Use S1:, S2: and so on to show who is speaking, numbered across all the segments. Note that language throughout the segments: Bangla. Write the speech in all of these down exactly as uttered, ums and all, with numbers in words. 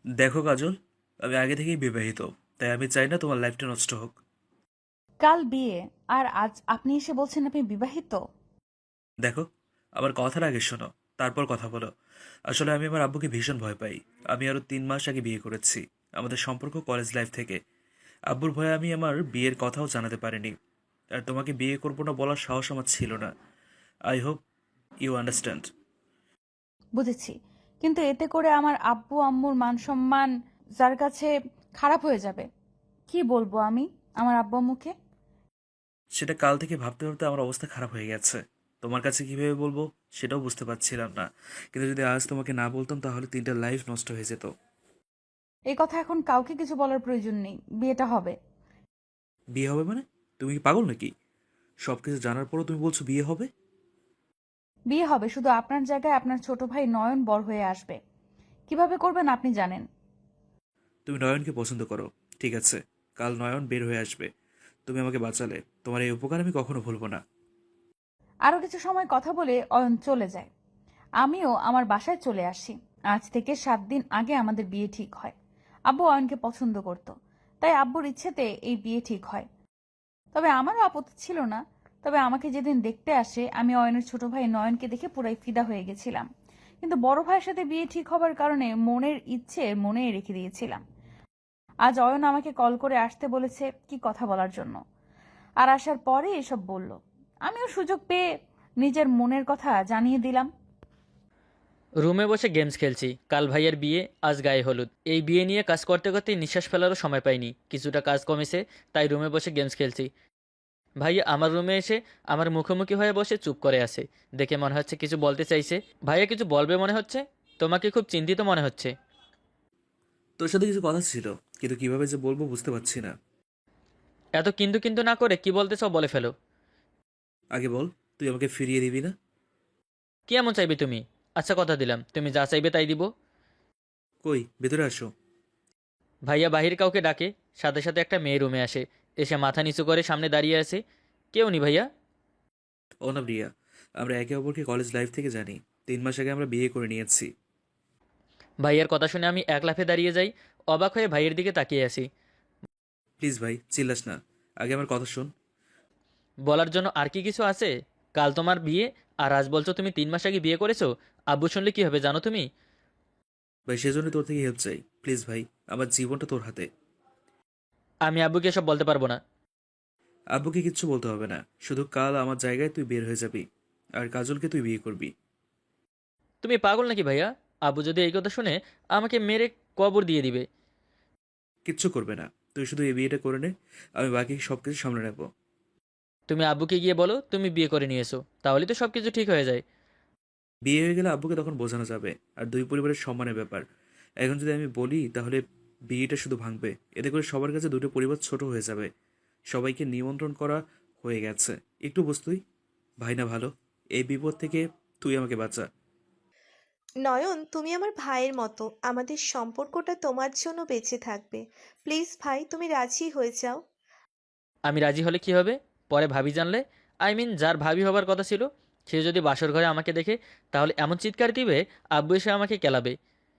S1: দেখো কাজল, আমি আগে থেকেই বিবাহিত, তাই আমি চাই না তোমার লাইফটা নষ্ট হোক।
S2: কাল বিয়ে, আর আজ আপনি এসে বলছেন আপনি বিবাহিত?
S1: দেখো, আমার কথার আগে শোনো, তারপর কথা বলো। আসলে আমি আমার আব্বুকে ভীষণ ভয় পাই। আমি আরো তিন মাস আগে বিয়ে করেছি। আমাদের সম্পর্ক কলেজ লাইফ থেকে। আব্বুর ভয়ে আমি আমার বিয়ের কথাও জানাতে পারিনি। আর তোমাকে বিয়ে করবো না বলার সাহস আমার ছিল না। I hope you understand.
S2: বুঝেছি, কিন্তু এতে করে আমার আব্বু আম্মুর মান সম্মান যার কাছে খারাপ হয়ে যাবে। কি বলবো আমি আমার আব্বু আম্মুকে?
S1: সেটা কাল থেকে ভাবতে ভাবতে আমার অবস্থা খারাপ হয়ে গেছে। তোমার কাছে কিভাবে বলবো সেটাও বুঝতে পারছিলাম না। কিন্তু যদি আজ তোমাকে না বলতাম তাহলে তিনটা লাইফ নষ্ট হয়ে যেত।
S2: এই কথা এখন কাউকে কিছু বলার প্রয়োজন নেই, বিয়েটা হবে।
S1: বিয়ে হবে মানে? তুমি কি পাগল নাকি? সবকিছু জানার পরও তুমি বলছো বিয়ে হবে?
S2: বিয়ে হবে, শুধু আপনার জায়গায় আপনার ছোট ভাই নয়ন বড় হয়ে আসবে। কিভাবে করবেন আপনি জানেন।
S1: তুমি নয়নকে পছন্দ করো, ঠিক আছে। কাল নয়ন বের হয়ে আসবে। তুমি আমাকে বাঁচালে, তোমার এই উপকার আমি কখনো ভুলবো না।
S2: আরো কিছু সময় কথা বলে অয়ন চলে যায়। আমিও আমার বাসায় চলে আসি। আজ থেকে সাত দিন আগে আমাদের বিয়ে ঠিক হয়। আব্বু অয়নকে পছন্দ করত, তাই আব্বুর ইচ্ছেতে এই বিয়ে ঠিক হয়। তবে আমারও আপত্তি ছিল না। তবে আমাকে যেদিন দেখতে আসে, আমি অয়নের ছোট ভাই নয়নকে দেখে পুরাই ফিদা হয়ে গেছিলাম। কিন্তু বড় ভাইয়ের সাথে বিয়ে ঠিক হবার কারণে মনের ইচ্ছে মনে রেখে দিয়েছিলাম। আজ অয়ন আমাকে কল করে আসতে বলেছে কি কথা বলার জন্য। আর আসার পরে এসব বলল। আমিও সুযোগ পেয়ে নিজের মনের কথা জানিয়ে দিলাম।
S3: রুমে বসে গেমস খেলছি। কাল ভাইয়ের বিয়ে, আজ গায়ে হলুদ। এই বিয়ে নিয়ে কাজ করতে করতেই নিঃশ্বাস ফেলারও সময় পাইনি। কিছুটা কাজ কমেছে, তাই রুমে বসে গেমস খেলছি। ভাইয়া আমার রুমে এসে আমার মুখোমুখি হয়ে বসে চুপ করে আছে। দেখে মনে হচ্ছে কিছু বলতে চাইছে। ভাইয়া কিছু বলবে মনে হচ্ছে। তোমাকে খুব চিন্তিত মনে হচ্ছে।
S1: তোর সাথে কিছু কথা ছিল, কিন্তু কিভাবে যে বলবো বুঝতে পারছি না।
S3: এত কিন্তু কিন্তু না করে কি বলতে চাও বলে ফেলো।
S1: আগে বল, তুই আমাকে ফিরিয়ে দিবি না?
S3: কি এমন চাইবে তুমি? আচ্ছা কথা দিলাম, তুমি যা চাইবে তাই দিব।
S1: কই, ভেতরে আসো।
S3: ভাইয়া বাহির কাউকে ডাকে। সাথে সাথে একটা মেয়ে রুমে আসে। এসে মাথা নিচু করে সামনে দাঁড়িয়ে আছে। কেউ নি ভাইয়া।
S1: ও না প্রিয়া, আমরা একে অপরকে কলেজ লাইফ থেকে জানি। তিন মাস আগে আমরা বিয়ে করে নিয়েছি।
S3: ভাইয়ের কথা শুনে আমি এক লাফে দাঁড়িয়ে যাই। অবাক হয়ে ভাইয়ের দিকে তাকিয়ে আছি।
S1: প্লিজ ভাই, চিল্লাস না। আগে আমার কথা শোন।
S3: বলার জন্য আর কি কিছু আছে? কাল তোমার বিয়ে, আর আজ বলছো তুমি তিন মাস আগে বিয়ে করেছো। আব্বু শুনলে কি হবে জানো তুমি?
S1: ভাই, সেজন্য তোর থেকে হেল্প চাই, প্লিজ ভাই। আমার জীবনটা তোর হাতে।
S3: আমি আব্বুকে এসব বলতে পারবো না।
S1: আব্বুকে কিচ্ছু বলতে হবে না, শুধু কাল আমার জায়গায় তুই বের হয়ে যাবি। আর কাজলকে তুই বিয়ে করবি।
S3: তুমি পাগল নাকি ভাইয়া? আব্বু যদি এই কথা শুনে আমাকে মেরে কবর দিয়ে দিবে।
S1: কিচ্ছু করবে না, তুই শুধু এই বিয়েটা করে নে। আমি বাকি সব কিছু সামলে নেব।
S3: তুমি আব্বুকে গিয়ে বলো তুমি বিয়ে করে নিয়েছো, তাহলে তো সব কিছু ঠিক হয়ে যায়।
S1: বিয়ে হয়ে গেলে আব্বুকে তখন বোঝানো যাবে। আর দুই পরিবারের সম্মানের ব্যাপার। এখন যদি আমি বলি তাহলে বিয়েটা শুধু ভাঙবে। এতে করে সবার কাছে দুটো পরিবার ছোট হয়ে যাবে। সবাইকে নিমন্ত্রণ করা হয়ে গেছে। একটু বুঝ তুই, ভাই না ভালো। এই বিপদ থেকে তুই আমাকে বাঁচা।
S4: নয়ন, তুমি আমার ভাইয়ের মতো, আমাদের সম্পর্কটা তোমার জন্য বেঁচে থাকবে। প্লিজ ভাই, তুমি রাজি হয়ে যাও।
S3: আমি রাজি হলে কি হবে? পরে ভাবি জানলে, আই মিন যার ভাবি হবার কথা ছিল, সে যদি বাসর ঘরে আমাকে দেখে, তাহলে এমন চিৎকার দিবে আব্বু এসে আমাকে কেলাবে।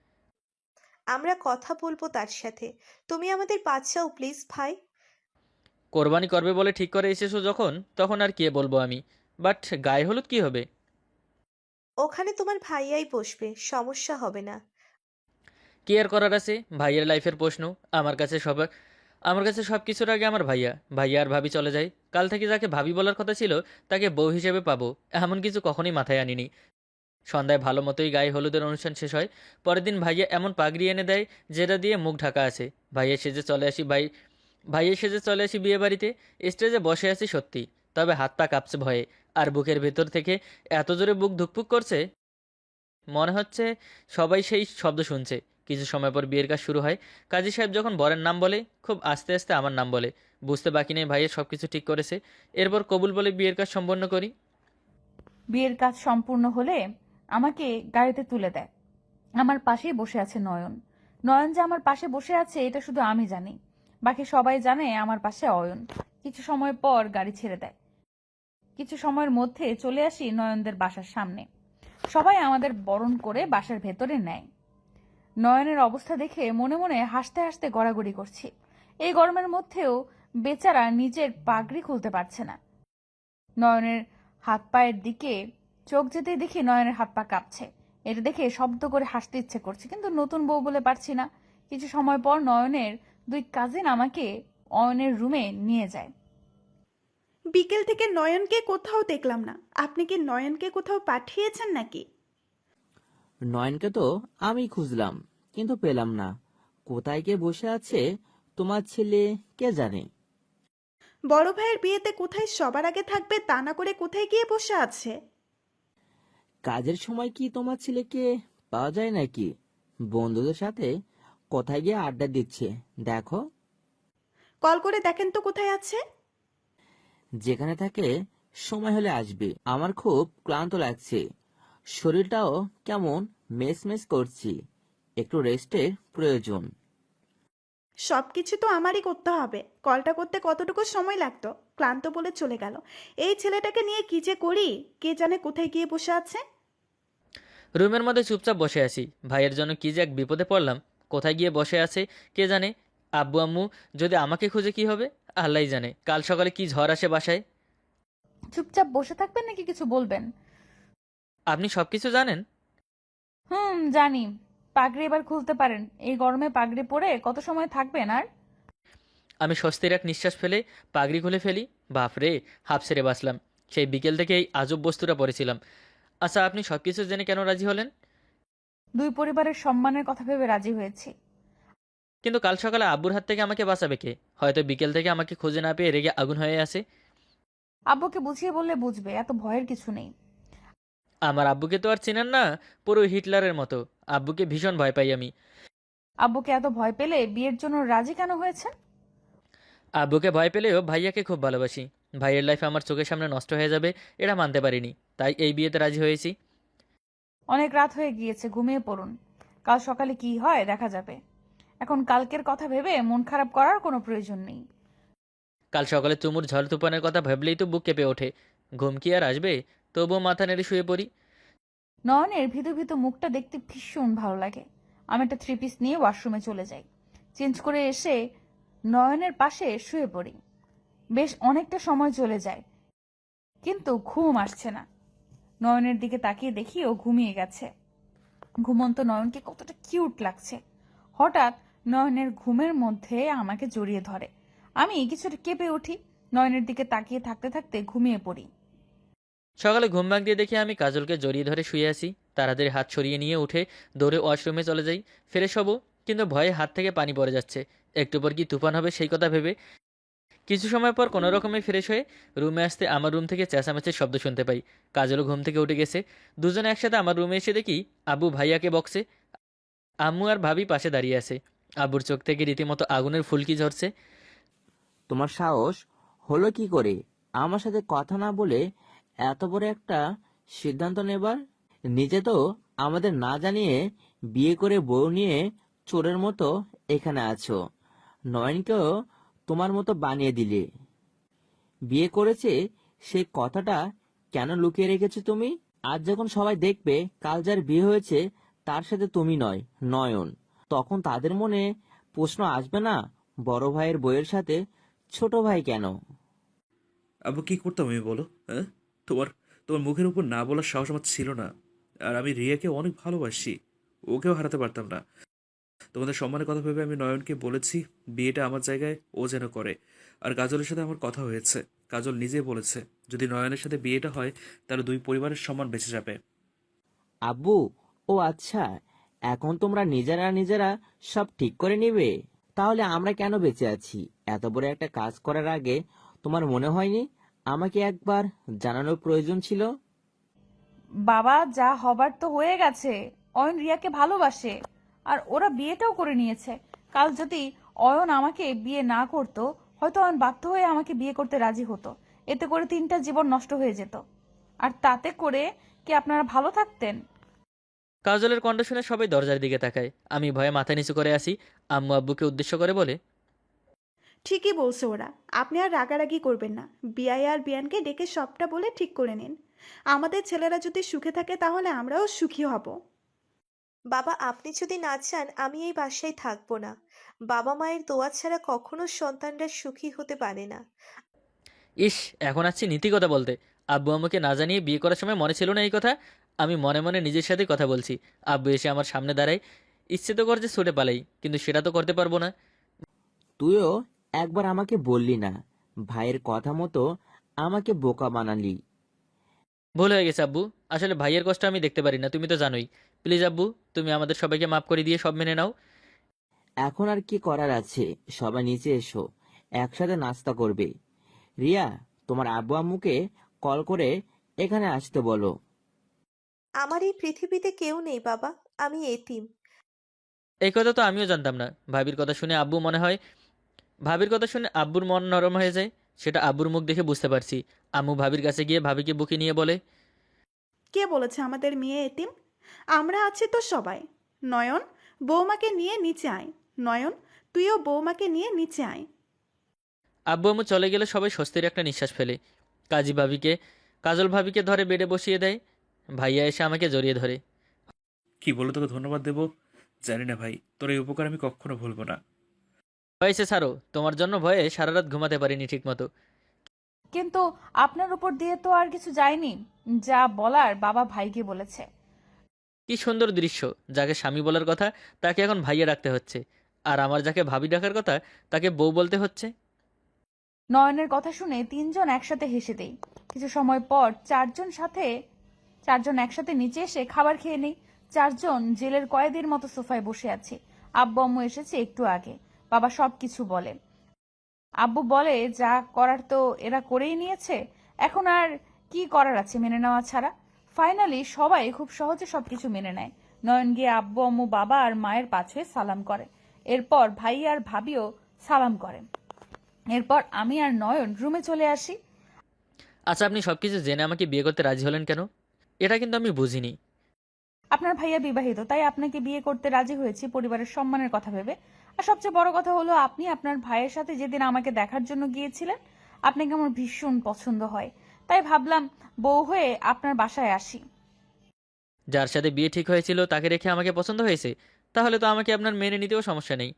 S4: আমরা কথা বলবো তার সাথে। তুমি আমাদের বাঁচাও প্লিজ ভাই।
S3: কোরবানি করবে বলে ঠিক করে এসেছো যখন, তখন আর কে বলবো আমি। বাট গায়ে হলুদ কি হবে?
S4: ওখানে তোমার ভাইয়াই বসবে, সমস্যা হবে না।
S3: কি আর করার আছে, ভাইয়ের লাইফের প্রশ্ন। আমার কাছে সব আমার কাছে সব কিছুর আগে আমার ভাইয়া। ভাইয়া আর ভাবি চলে যায়। কাল থেকে যাকে ভাবি বলার কথা ছিল তাকে বউ হিসেবে পাবো, এমন কিছু কখনোই মাথায় আনিনি। সন্ধ্যায় ভালো মতোই গায়ে হলুদের অনুষ্ঠান শেষ হয়। পরের দিন ভাইয়া এমন পাগড়ি এনে দেয় যেটা দিয়ে মুখ ঢাকা আছে। ভাইয়া সেজে চলে আসি ভাই ভাইয়া সেজে চলে আসি বিয়ে বাড়িতে। স্টেজে বসে আছি সত্যি, তবে হাত পা কাঁপছে ভয়ে। আর বুকের ভেতর থেকে এত জোরে বুক ধুকপুক করছে, মনে হচ্ছে সবাই সেই শব্দ শুনছে। কিছু সময় পর বিয়ের কাজ শুরু হয়। কাজী সাহেব যখন বরের নাম বলে, খুব আস্তে আস্তে আমার নাম বলে। বুঝতে বাকি নেই ভাইয়ের সব কিছু ঠিক করেছে। এরপর কবুল বলে বিয়ের কাজ সম্পন্ন করি।
S2: বিয়ের কাজ সম্পূর্ণ হলে আমাকে গাড়িতে তুলে দেয়। আমার পাশেই বসে আছে নয়ন। নয়ন যে আমার পাশে বসে আছে এটা শুধু আমি জানি। বাকি সবাই জানে আমার পাশে অয়ন। কিছু সময় পর গাড়ি ছেড়ে দেয়। কিছু সময়ের মধ্যে চলে আসি নয়নদের বাসার সামনে। সবাই আমাদের বরণ করে বাসার ভেতরে নেয়। নয়নের অবস্থা দেখে মনে মনে হাসতে হাসতে গড়াগড়ি করছি। এই গরমের মধ্যেও বেচারা নিজের পাগড়ি খুলতে পারছে না। নয়নের হাত পায়ের দিকে চোখ যেতেই দেখি নয়নের হাত পা কাঁপছে। এটা দেখে শব্দ করে হাসতে ইচ্ছে করছে, কিন্তু নতুন বউ বলে পারছি না। কিছু সময় পর নয়নের দুই কাজিন আমাকে অয়নের রুমে নিয়ে যায়।
S5: বিকেল থেকে নয়নকে কোথাও দেখলাম না। আপনি কি নয়নকে কোথাও পাঠিয়েছেন নাকি?
S6: নয়নকে তো আমি খুঁজলাম, কিন্তু পেলাম না। কোথায় কে বসে আছে তোমার ছেলে কে জানে।
S5: বড় ভাইয়ের বিয়েতে কোথায় সবার আগে থাকবে তা না করে কোথায় গিয়ে বসে আছে?
S6: কাজের সময় কি তোমার ছেলেকে পাওয়া যায় নাকি? বন্ধুদের সাথে কোথায় গিয়ে আড্ডা দিচ্ছে দেখো।
S5: কল করে দেখেন তো কোথায় আছে।
S6: যেখানে থাকে সময় হলে আসবে। আমার খুব ক্লান্ত লাগছে, শরীরটাও কেমন মেস মেস করছি, একটু রেস্টের প্রয়োজন।
S5: সবকিছু তো আমারই করতে হবে। কলটা করতে কতটুকু সময় লাগতো, ক্লান্ত বলে চলে গেল। এই ছেলেটাকে নিয়ে কি যে করি, কে জানে কোথায় গিয়ে বসে আছে।
S3: রুমের মধ্যে চুপচাপ বসে আছি। ভাইয়ের জন্য কি যে এক বিপদে পড়লাম। কোথায় গিয়ে বসে আছে কে জানে। আব্বু আম্মু যদি আমাকে খুঁজে কি হবে আল্লাহই জানে। কাল সকালে কি ঝড় আসে বাসায়।
S2: চুপচাপ বসে থাকবেন নাকি কিছু বলবেন?
S3: আপনি সব কিছু জানেন?
S2: হুম, জানি। পাগড়ি এবার খুলতে পারেন। এই গরমে পাগড়ি পরে কত সময় থাকবেন আর?
S3: আমি স্বস্তির এক নিঃশ্বাস ফেলে পাগড়ি খুলে ফেলি। বাপরে, হাফ ছেড়ে বাঁচলাম। সেই বিকেল থেকে এই আজব বস্তুটা পড়েছিলাম। আচ্ছা, আপনি সব কিছু জেনে কেন রাজি হলেন?
S2: দুই পরিবারের সম্মানের কথা ভেবে রাজি হয়েছি।
S3: কিন্তু কাল সকালে আব্বুর হাত থেকে আমাকে বাঁচাবে কে? হয়তো বিকেল থেকে আমাকে খুঁজে না পেয়ে রেগে আগুন হয়ে আছে।
S2: আব্বুকে বুঝিয়ে বললে বুঝবে, এত ভয়ের কিছু নেই।
S3: আমার আব্বুকে তো আর চেনেন না, পুরো হিটলারের মতো। আব্বুকে ভীষণ ভয় পাই আমি।
S2: আব্বুকে এত ভয় পেলে বিয়ের জন্য রাজি কেন হয়েছেন?
S3: আব্বুকে ভয় পেলেও ভাইয়াকে খুব ভালোবাসি। ভাইয়ের লাইফ আমার চোখের সামনে নষ্ট হয়ে যাবে এটা মানতে পারিনি, তাই এই বিয়েতে রাজি হয়েছি।
S2: অনেক রাত হয়ে গিয়েছে, ঘুমিয়ে পড়ুন। কাল সকালে কি হয় দেখা যাবে। এখন কালকের কথা ভেবে মন খারাপ করার কোনো প্রয়োজন নেই।
S3: কাল সকালে চুমুর ঝড় তুফানের কথা ভাবলেই তো বুক কেঁপে ওঠে। ঘুম কি আর আসবে? তবুও মাথা নেড়ে শুয়ে পড়ি।
S2: নয়নের ভিতু ভিতু মুখটা দেখতে ভীষণ ভালো লাগে। আমি একটা থ্রি পিস নিয়ে ওয়াশরুমে চলে যাই। চেঞ্জ করে এসে নয়নের পাশে শুয়ে পড়ি। বেশ অনেকটা সময় চলে যায়, কিন্তু ঘুম আসছে না। নয়নের দিকে তাকিয়ে দেখি ও ঘুমিয়ে গেছে। ঘুমন্ত নয়নকে কতটা কিউট লাগছে। হঠাৎ নয়নের ঘুমের মধ্যে আমাকে জড়িয়ে ধরে। আমি কিছুটা কেঁপে উঠি। নয়নের দিকে তাকিয়ে থাকতে থাকতে ঘুমিয়ে পড়ি।
S3: সকালে ঘুম ভাঙ দিয়ে দেখি আমি কাজলকে জড়িয়ে ধরে শুয়ে আছি। তাড়াতাড়ি হাত সরিয়ে নিয়ে উঠে দৌড়ে ওয়াশরুমে চলে যাই। ফ্রেশ হবো, কিন্তু ভয়ে হাত থেকে পানি পড়ে যাচ্ছে। একটু পর কি তুফান হবে সেই কথা ভেবে কিছু সময় পর কোনো রকমে ফ্রেশ হয়ে রুমে আসতে আমার রুম থেকে চেঁচামেচির শব্দ শুনতে পাই। কাজলও ঘুম থেকে উঠে গেছে। দুজনে একসাথে আমার রুমে এসে দেখি আব্বু ভাইয়াকে বক্সে, আম্মু আর ভাবি পাশে দাঁড়িয়ে আছে। আব্বুর চোখ থেকে রীতিমতো আগুনের ফুলকি ঝরছে।
S6: তোমার সাহস হলো কি করে আমার সাথে কথা না বলে এত বড় একটা সিদ্ধান্ত নেবার? নিজে তো আমাদের না জানিয়ে বিয়ে করে বউ নিয়ে চোরের মতো এখানে আছো। নয়নকেও তোমার মতো বানিয়ে দিলে। বিয়ে করেছে সেই কথাটা কেন লুকিয়ে রেখেছো তুমি? আজ যখন সবাই দেখবে কাল যার বিয়ে হয়েছে তার সাথে তুমি নয়, নয়ন, তখন তাদের মনে প্রশ্ন আসবে না বড় ভাইয়ের বউয়ের সাথে ছোট ভাই কেন?
S1: আব্বু কি করতাম আমি বলো? হ্যাঁ, তোমার তোমার মুখের উপর না বলার সাহস আমার ছিল না। আর আমি রিয়াকে অনেক ভালোবাসি, ওকেও হারাতে পারতাম না। তোমাদের সম্মানের কথা ভেবে আমি নয়নকে বলেছি বিয়েটা আমার জায়গায় ও যেন করে। আর কাজলের সাথে আমার কথা হয়েছে। কাজল নিজেই বলেছে যদি নয়নের সাথে বিয়েটা হয় তাহলে দুই পরিবারের সম্মান বেঁচে যাবে।
S6: আব্বু, ও আচ্ছা, এখন তোমরা নিজেরা নিজেরা সব ঠিক করে নিবে? তাহলে আমরা কেন বেঁচে আছি? এত বড় একটা কাজ করার আগে তোমার মনে হয়নি আমাকে একবার জানানোর প্রয়োজন ছিল?
S2: বাবা, যা হবার তো হয়ে গেছে। অয়ন রিয়াকে ভালোবাসে, আর ওরা বিয়েটাও করে নিয়েছে। কাল যদি অয়ন আমাকে বিয়ে না করতো, হয়তো অয়ন বাধ্য হয়ে আমাকে বিয়ে করতে রাজি হতো। এতে করে তিনটা জীবন নষ্ট হয়ে যেত। আর তাতে করে কি আপনারা ভালো থাকতেন?
S3: কাজলের কণ্ঠ শুনে সবাই দরজার দিকে তাকায়। আমি ভয়ে মাথা নিচু করে আসি। আম্মু আব্বুকে উদ্দেশ্য করে বলে,
S5: ঠিকই বলছে ওরা। আপনি আর রাগারাগি করবেন না। বিয়াই আর বিয়ানকে ডেকে সবটা বলে ঠিক করে নিন। আমাদের ছেলেরা যদি সুখে থাকে তাহলে আমরাও সুখী হব।
S4: বাবা, আপনি যদি না চান আমি এই বাসায় থাকবো না। বাবা মায়ের দোয়া ছাড়া কখনো সন্তানরা সুখী হতে পারে না।
S3: ইস, এখন আসছি নীতি কথা বলতে। আব্বু আমাকে না জানিয়ে বিয়ে করার সময় মনে ছিল না এই কথা। আমি মনে মনে নিজের সাথে কথা বলছি। আব্বু এসে আমার সামনে দাঁড়ায়। ইচ্ছে তো করছে ছুটে পালাই, কিন্তু সেটা তো করতে পারবো না।
S6: তুইও একবার আমাকে বললি না, ভাইয়ের কথা মতো আমাকে বোকা বানালি।
S3: ভুল হয়ে গেছে আব্বু। আসলে ভাইয়ের কষ্ট আমি দেখতে পারি না, তুমি তো জানোই। প্লিজ আব্বু, তুমি আমাদের সবাইকে মাফ করে দিয়ে সব মেনে নাও।
S6: এখন আর কি করার আছে, সবাই নিচে এসো, একসাথে নাস্তা করবে। রিয়া, তোমার আব্বু আম্মুকে কল করে এখানে আসতে বলো।
S4: আমার এই পৃথিবীতে কেউ নেই বাবা, আমি এতিম।
S3: এই কথা তো আমিও জানতাম না। ভাবির কথা শুনে আব্বু মনে হয় ভাবির কথা শুনে আব্বুর মন নরম হয়ে যায়। সেটা আব্বুর মুখ দেখে বুঝতে পারছি। আম্মু ভাবির কাছে গিয়ে ভাবিকে বুকে নিয়ে বলে,
S5: কে বলেছে আমাদের মেয়ে এতিম? আমরা আছি তো সবাই। নয়ন, বৌমাকে নিয়ে নিচে আয়। নয়ন, তুইও বৌমাকে নিয়ে নিচে আয়।
S3: আব্বু আম্মু চলে গেলে সবাই স্বস্তির একটা নিঃশ্বাস ফেলে। কাজী ভাবিকে কাজল ভাবিকে ধরে বেডে বসিয়ে দেয়। ভাইয়া এসে আমাকে জড়িয়ে ধরে।
S1: কি বলে তোকে ধন্যবাদ দেবো জানি না ভাই, তোর এই উপকার আমি কখনো ভুলবো না।
S3: হয়েছে ছাড়ো, তোমার জন্য ভয়ে সারা রাত ঘুমাতে পারিনি ঠিক মতো।
S2: কিন্তু আপনার উপর দিয়ে তো আর কিছু যায়নি। যা বলার বাবা ভাইকে বলেছে।
S3: কি সুন্দর দৃশ্য! যাকে স্বামী বলার কথা তাকে এখন ভাইয়া ডাকতে হচ্ছে, আর আমার যাকে ভাবি ডাকার কথা তাকে বউ বলতে হচ্ছে।
S2: নয়নের কথা শুনে তিনজন একসাথে হেসে দেই। কিছু সময় পর চারজন সাথে চারজন একসাথে নিচে এসে খাবার খেয়ে নেই। চারজন জেলের কয়েদির মতো সোফায় বসে আছি। আব্বু আম্মু এসেছে একটু আগে। বাবা সবকিছু বলে। আব্বু বলে যা করার তো এরা করেই নিয়েছে, এখন আর কি করার আছে মেনে নেওয়া ছাড়া। ফাইনালি সবাই খুব সহজে সবকিছু মেনে নেয়। নয়ন গিয়ে আব্বু আম্মু বাবা আর মায়ের পাশে সালাম করে। এরপর ভাই আর ভাবিও সালাম করে। এরপর আমি আর নয়ন রুমে চলে আসি।
S3: আচ্ছা, আপনি সবকিছু জেনে আমাকে বিয়ে করতে রাজি হলেন কেন? এটা কিন্তু আমি বুঝিনি।
S2: আপনার ভাইয়া বিবাহিত, তাই আপনাকে বিয়ে করতে রাজি হয়েছি পরিবারের সম্মানের কথা ভেবে। আর সবচেয়ে বড় কথা হলো আপনি আপনার ভাইয়ের সাথে যেদিন আমাকে দেখার জন্য গিয়েছিলেন, আপনাকে আমার ভীষণ পছন্দ হয়। তাই ভাবলাম বউ হয়ে আপনার বাসায় আসি।
S3: যার সাথে বিয়ে ঠিক হয়েছিল তাকে রেখে আমাকে পছন্দ হয়েছে, তাহলে তো আমাকে আপনার মেনে নিতেও সমস্যা নেই।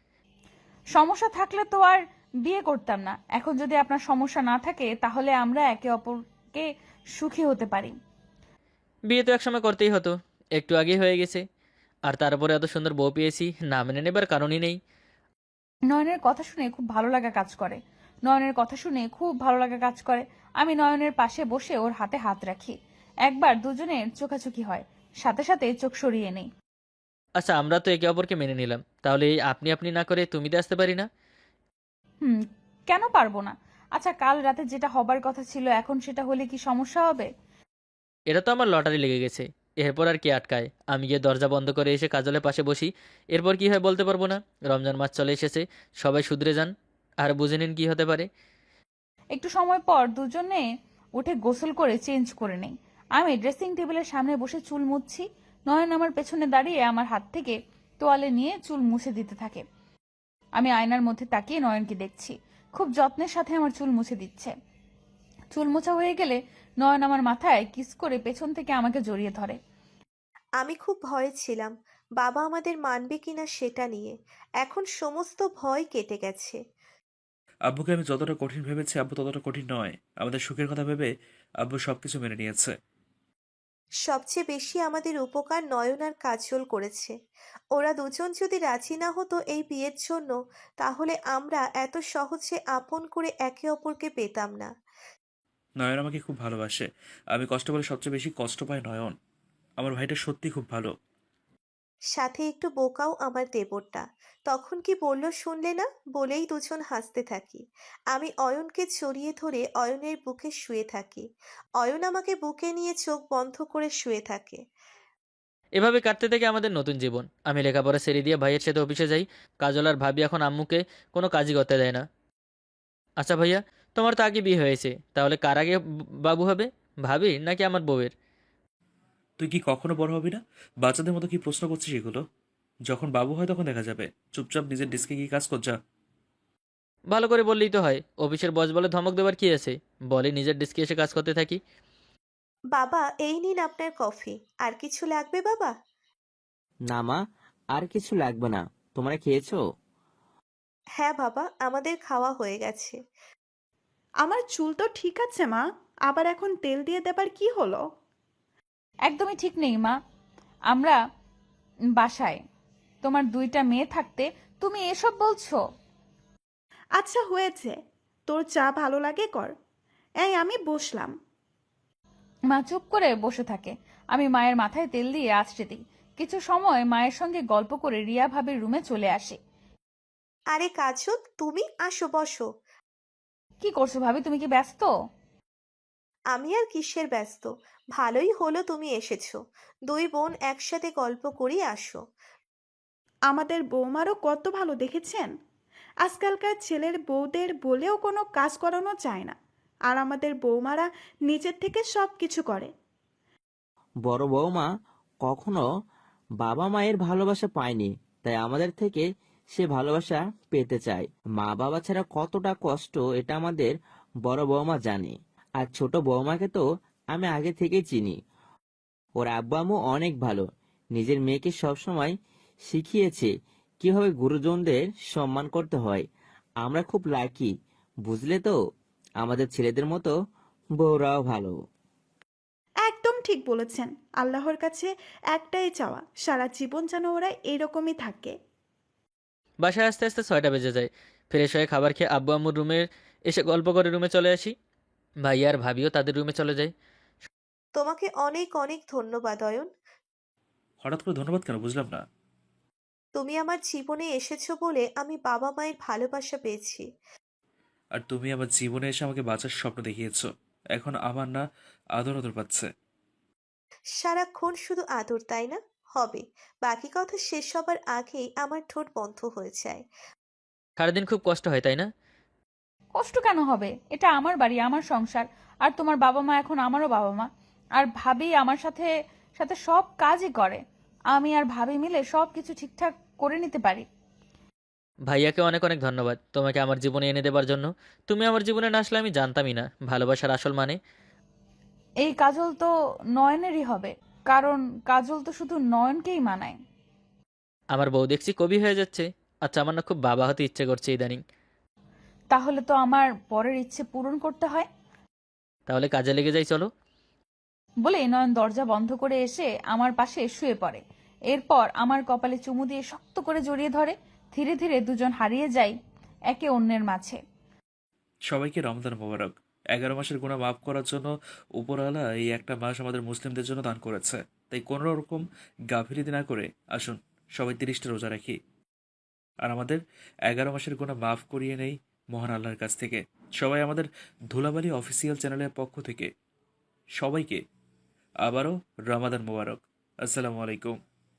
S2: সমস্যা থাকলে তো আর বিয়ে করতাম না। এখন যদি আপনার সমস্যা না থাকে তাহলে আমরা একে অপরকে সুখী হতে পারি।
S3: বিয়ে তো একসময় করতেই হতো, একটু আগেই হয়ে গেছে। আর তারপরে এত সুন্দর বউ পেয়েছি, না মেনে নেবার কারণই নেই।
S2: নয়নের কথা শুনে খুব ভালো লাগা কাজ করে। নয়নের কথা শুনে খুব ভালো লাগা কাজ করে। আমি নয়নের পাশে বসে ওর হাতে হাত রাখি। একবার দুজনের চোখাচোখি হয়, সাথে সাথে চোখ সরিয়ে নেই।
S3: আচ্ছা, আমরা তো একে অপরকে মেনে নিলাম, তাহলে এই আপনি আপনি না করে তুমিতে আসতে পারি না?
S2: হুম, কেন পারবো না? আচ্ছা, কাল রাতে যেটা হবার কথা ছিল এখন সেটা হলে কি সমস্যা হবে?
S3: এটা তো আমার লটারি লেগে গেছে। এরপর আর কে আটকায়? আমি গিয়ে দরজা বন্ধ করে এসে কাজলের পাশে বসি। এরপর কি হয় বলতে পারবো না। রমজান মাস চলে এসেছে, সবাই শুধরে যান। আর বুঝে নিন কি হতে পারে।
S2: একটু সময় পর দুজনে উঠে গোসল করে চেঞ্জ করে নেই। আমি ড্রেসিং টেবিলের সামনে বসে চুল মুছছি। নয়ন আমার পেছনে দাঁড়িয়ে আমার হাত থেকে তোয়ালে নিয়ে চুল মুছে দিতে থাকে। আমি আয়নার মধ্যে তাকিয়ে নয়নকে দেখছি, খুব যত্নের সাথে আমার চুল মুছে দিচ্ছে। চুল মোছা হয়ে গেলে নয়ন আমার মাথায় কিস করে পেছন থেকে আমাকে জড়িয়ে ধরে।
S4: আমি খুব ভয়ে ছিলাম বাবা আমাদের মানবে কিনা সেটা নিয়ে। এখন সমস্ত ভয় কেটে গেছে।
S1: আব্বুকে আমি যতটা কঠিন ভেবেছি আব্বু ততটা কঠিন নয়। আমাদের সুখের কথা ভেবে আব্বু সবকিছু মেনে নিয়েছে।
S4: সবচেয়ে বেশি আমাদের উপকার নয়ন আর কাজল করেছে। ওরা দুজন যদি রাজি না হতো এই বিয়ের জন্য, তাহলে আমরা এত সহজে আপন করে একে অপরকে পেতাম না।
S1: নয়ন আমাকে খুব ভালোবাসে। আমি কষ্ট বলে সবচেয়ে বেশি কষ্ট পাই নয়ন। আমার ভাইটা সত্যি খুব ভালো।
S4: সাথে একটু বোকাও আমার দেবরটা। তখন কি বলল শুনলে না? বলেই দুজন হাসতে থাকি। আমি অয়নকে জড়িয়ে ধরে অয়নের বুকে শুয়ে থাকি। অয়ন আমাকে বুকে নিয়ে চোখ বন্ধ করে শুয়ে থাকে।
S3: এভাবে কাটতে থেকে আমাদের নতুন জীবন। আমি লেখাপড়া ছেড়ে দিয়ে ভাইয়ের সাথে অফিসে যাই। কাজল আর ভাবি এখন আম্মুকে কোনো কাজই করতে দেয় না। আচ্ছা ভাইয়া, তোমার তো আগে বিয়ে হয়েছে, তাহলে কার আগে ব- বাবু হবে? ভাবি নাকি আমার বউয়ের?
S1: তুই কি কখনো বড় হবি না? বাচ্চাদের মতো কি প্রশ্ন করছিস এগুলো? যখন বাবু হয় তখন দেখা যাবে। চুপচাপ নিজের ডেস্কে গিয়ে কাজ কর যা।
S3: ভালো করে বললেই তো হয়। অফিসের বস বলে ধমক দেবার কি আছে? বলে নিজের ডেস্কে এসে কাজ করতে থাকি।
S4: বাবা, এই নিন আপনার কফি। আর কিছু লাগবে বাবা?
S6: না মা, আর কিছু লাগবে না। তোমরা খেয়েছো?
S4: হ্যাঁ বাবা, আমাদের খাওয়া হয়ে গেছে।
S5: আমার চুল তো ঠিক আছে মা, আবার এখন তেল দিয়ে দেবার কি হলো?
S2: একদমই ঠিক নেই মা। আমরা বাসায়, তোমার দুইটা মেয়ে থাকতে তুমি এসব বলছো?
S5: আচ্ছা হয়েছে, তোর চা ভালো লাগে কর। এই আমি বসলাম।
S2: মা চুপ করে বসে থাকে। আমি মায়ের মাথায় তেল দিয়ে আছড়ে দিই। কিছু সময় মায়ের সঙ্গে গল্প করে রিয়া ভাবির রুমে চলে আসে।
S4: আরে কাজল, তুমি আসো, বসো।
S2: কি করছো ভাবি, তুমি কি ব্যস্ত?
S4: আমি আর কিসের ব্যস্ত, ভালোই হলো তুমি এসেছো। দুই বোন একসাথে গল্প করি, আসো।
S5: আমাদের বৌমারও কত ভালো দেখেছেন। আজকালকার ছেলের বউদের বলেও কোনো কাজ করানো চায় না, আর আমাদের বৌমারা নিজের থেকে সব কিছু করে।
S6: বড় বৌমা কখনো বাবা মায়ের ভালোবাসা পায়নি, তাই আমাদের থেকে সে ভালোবাসা পেতে চায়। মা বাবা ছাড়া কতটা কষ্ট এটা আমাদের বড় বৌমা জানে। আর ছোট বৌমাকে তো আমি আগে থেকেই চিনি। ওর আব্বু আম্মু অনেক ভালো, নিজের মেয়েকে সবসময় শিখিয়েছে কিভাবে গুরুজনদের সম্মান করতে হয়। আমরা খুব লাকি, বুঝলে তো? আমাদের ছেলেদের মতো বউরাও ভালো।
S5: একদম ঠিক বলেছেন। আল্লাহর কাছে একটাই চাওয়া, সারা জীবন যেন ওরা এরকমই থাকে।
S3: বাসায় আস্তে আস্তে ছয়টা বেজে যায়। ফ্রেশ হয়ে খাবার খেয়ে আব্বু আম্মুর রুমে এসে গল্প করে রুমে চলে আসি। ভাইয়া আর ভাবিও তাদের রুমে চলে যায়।
S4: তোমাকে অনেক অনেক ধন্যবাদ অয়ন।
S1: হঠাৎ করে ধন্যবাদ কেন, বুঝলাম না।
S4: তুমি আমার জীবনে এসেছো বলে আমি বাবা মায়ের ভালোবাসা পেয়েছি।
S1: আর তুমি আমার জীবনে এসে আমাকে বাঁচার স্বপ্ন দেখিয়েছো। এখন আমার না আদর আদর পাচ্ছে।
S4: সারাক্ষণ শুধু আদর, তাই না? হবে। বাকি কথা শেষ হবার আগেই আমার ঠোঁট বন্ধ হয়ে যায়।
S3: সারাদিন খুব কষ্ট হয়, তাই না?
S2: কষ্ট কেন হবে? এটা আমার বাড়ি, আমার সংসার। আর তোমার বাবা মা এখন আমারও বাবা মা। আর ভাবি আমার সাথে সাথে সব কাজই করে। আমি আর ভাবি মিলে সব কিছু ঠিকঠাক করে নিতে পারি।
S3: ভাইয়াকে অনেক অনেক ধন্যবাদ তোমাকে আমার জীবনে এনে দেবার জন্য। তুমি আমার জীবনে না আসলে আমি জানতামই না ভালোবাসার আসল মানে।
S2: এই কাজল তো নয়নেরই হবে, কারণ কাজল তো শুধু নয়নকেই মানায়।
S3: আমার বউ দেখছি কবি হয়ে যাচ্ছে। আচ্ছা, আমার না খুব বাবা হতে ইচ্ছে করছে ইদানিং।
S2: তাহলে তো আমার পরের ইচ্ছে পূরণ করতে হয়।
S3: তাহলে কাজে লেগে যাই, চলো।
S2: বলে নয়ন দরজা বন্ধ করে এসে আমার পাশে শুয়ে পড়ে। এরপর আমার কপালে চুমু দিয়ে শক্ত করে জড়িয়ে ধরে। ধীরে ধীরে দুজন হারিয়ে যাই একে অন্যের মাঝে।
S1: সবাইকে রমজান মোবারক। এগারো মাসের গুনাহ মাফ করার জন্য উপরওয়ালা এই একটা মাস আমাদের মুসলিমদের জন্য দান করেছে। তাই কোনো রকম গাফিলতি না করে আসুন সবাই তিরিশটা রোজা রাখি, আর আমাদের এগারো মাসের গুনাহ মাফ করিয়ে নেই মহান আল্লাহর কাছ থেকে। সবাই আমাদের ধুলাবালি অফিসিয়াল চ্যানেলের পক্ষ থেকে সবাইকে আবারও রমাদান মোবারক। আসসালামু আলাইকুম।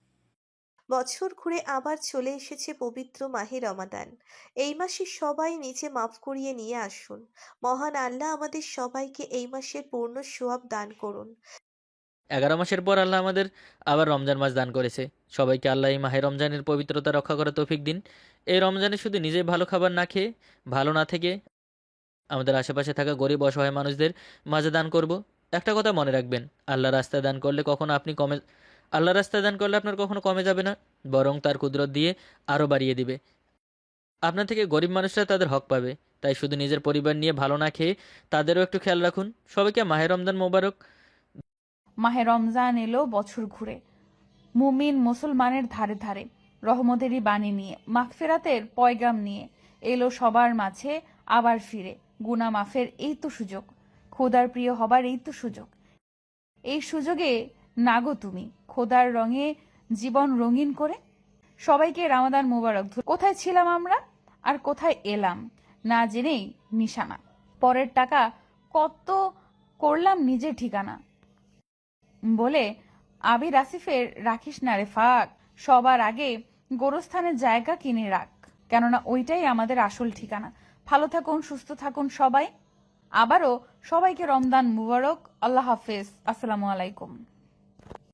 S4: বছর ঘুরে আবার চলে এসেছে পবিত্র মাহে রমাদান। এই মাসে সবাই নিজে মাফ করিয়ে নিয়ে আসুন। মহান আল্লাহ আমাদের সবাইকে এই মাসের পূর্ণ সোয়াব দান করুন।
S3: এগারো মাসের পর আল্লাহ আমাদের আবার রমজান মাস দান করেছে। সবাইকে আল্লাহ এই মাহে রমজানের পবিত্রতা রক্ষা করে তৌফিক দিন। এই রমজানে শুধু নিজে ভালো খাবার না খেয়ে, ভালো না থেকে আমাদের আশেপাশে থাকা গরিব অসহায় মানুষদের মাঝে দান করব। একটা কথা মনে রাখবেন, আল্লাহ রাস্তায় দান করলে কখনো আপনি কমে আল্লাহ রাস্তায় দান করলে আপনার কখনো কমে যাবে না, বরং তার কুদরত দিয়ে আরও বাড়িয়ে দিবে। আপনার থেকে গরিব মানুষরা তাদের হক পাবে। তাই শুধু নিজের পরিবার নিয়ে ভালো না খেয়ে তাদেরও একটু খেয়াল রাখুন। সবাইকে মাহে রমজান মোবারক।
S2: মাহে রমজান এলো বছর ঘুরে, মুমিন মুসলমানের ধারে ধারে রহমতেরই বাণী নিয়ে, মাগফিরাতের পয়গাম নিয়ে এলো সবার মাঝে আবার ফিরে। গুনা মাফের এই তো সুযোগ, খোদার প্রিয় হবার এই তো সুযোগ। এই সুযোগে নাগো তুমি খোদার রঙে জীবন রঙিন করে। সবাইকে রামাদান মোবারক। কোথায় ছিলাম আমরা আর কোথায় এলাম না জেনেই নিশানা। পরের টাকা কত করলাম নিজের ঠিকানা। বলে আবির আসিফের রাখিস না রে ফাঁক, সবার আগে গোরস্থানের জায়গা কিনে রাখ, কেননা ওইটাই আমাদের আসল ঠিকানা। ভালো থাকুন, সুস্থ থাকুন সবাই। আবারও সবাইকে রমজান মুবারক। আল্লাহ হাফেজ। আসসালামু আলাইকুম।